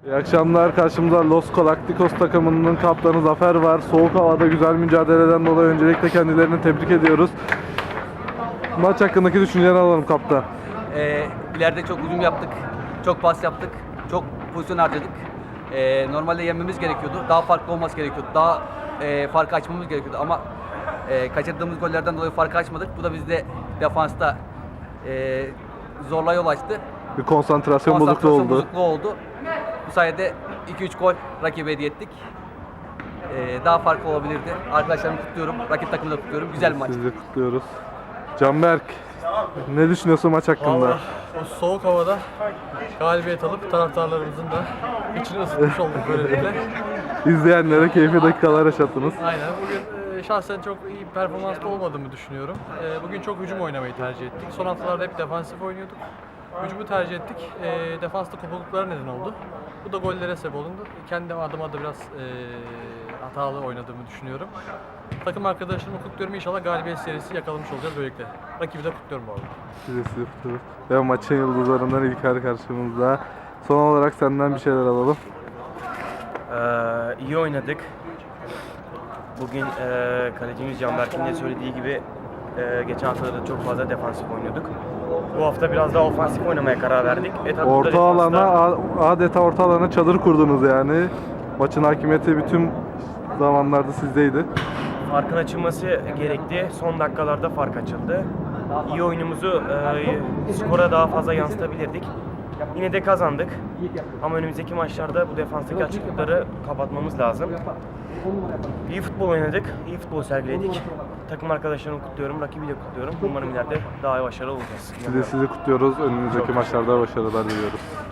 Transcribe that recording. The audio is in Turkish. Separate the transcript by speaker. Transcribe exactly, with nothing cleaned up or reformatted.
Speaker 1: İyi akşamlar. Karşımızda Los Galacticos takımının kaptanı Zafer var. Soğuk havada güzel mücadeleden dolayı öncelikle kendilerini tebrik ediyoruz. Maç hakkındaki düşüncelerini alalım kaptan.
Speaker 2: Ee, ileride çok hücum yaptık, çok pas yaptık, çok pozisyon harcadık. Ee, normalde yenmemiz gerekiyordu, daha farklı olması gerekiyordu, daha e, farkı açmamız gerekiyordu ama e, kaçırdığımız gollerden dolayı farkı açmadık. Bu da bizde defansta e, zorla yol açtı.
Speaker 1: Bir konsantrasyon,
Speaker 2: Konsantrasyon
Speaker 1: bozukluğu oldu.
Speaker 2: bozukluğu oldu. Bu sayede iki üç gol rakibe hediye ettik. Ee, daha farklı olabilirdi. Arkadaşlarımı kutluyorum, rakip takımı da kutluyorum. Güzel bir maç.
Speaker 1: Sizi kutluyoruz. Canberk, ne düşünüyorsun maç hakkında?
Speaker 3: Vallahi o soğuk havada galibiyet alıp taraftarlarımızın da içini ısıtmış olduk böylelikle.
Speaker 1: İzleyenlere keyifli dakikalar yaşattınız.
Speaker 3: Aynen. Bugün e, şahsen çok iyi bir performansta olmadığımı düşünüyorum. E, bugün çok hücum oynamayı tercih ettik. Son haftalarda hep defansif oynuyorduk. Hücumu tercih ettik. E, defansta kopukluklara neden oldu. Bu da gollere sebep oldu. Kendi adıma da biraz e, hatalı oynadığımı düşünüyorum. Takım arkadaşlarımı kutluyorum. İnşallah galibiyet serisi yakalamış olacağız böylelikle. Rakibi de kutluyorum bu arada.
Speaker 1: Sizi sizi kutluyoruz. Ve maçın yıldızlarından İlker karşımızda. Son olarak senden bir şeyler alalım.
Speaker 4: Ee, iyi oynadık. Bugün e, kalecimiz Canberk'in de söylediği gibi e, geçen haftalarda çok fazla defansif oynuyorduk. Bu hafta biraz daha ofansif oynamaya karar verdik. E, tabii burada
Speaker 1: Orta
Speaker 4: defansta
Speaker 1: alana, a- adeta orta alana çadır kurdunuz yani. Maçın hakimiyeti bütün zamanlarda sizdeydi.
Speaker 4: farkın açılması gerekti. Son dakikalarda fark açıldı. İyi oyunumuzu e, skora daha fazla yansıtabilirdik. Yine de kazandık. Ama önümüzdeki maçlarda bu defanstaki açıklıkları kapatmamız lazım. İyi futbol oynadık, iyi futbol sergiledik. Takım arkadaşlarımı kutluyorum, rakibi de kutluyorum. Umarım ileride daha başarılı olacağız.
Speaker 1: Sizi sizi kutluyoruz. Önümüzdeki maçlarda başarılar diliyoruz.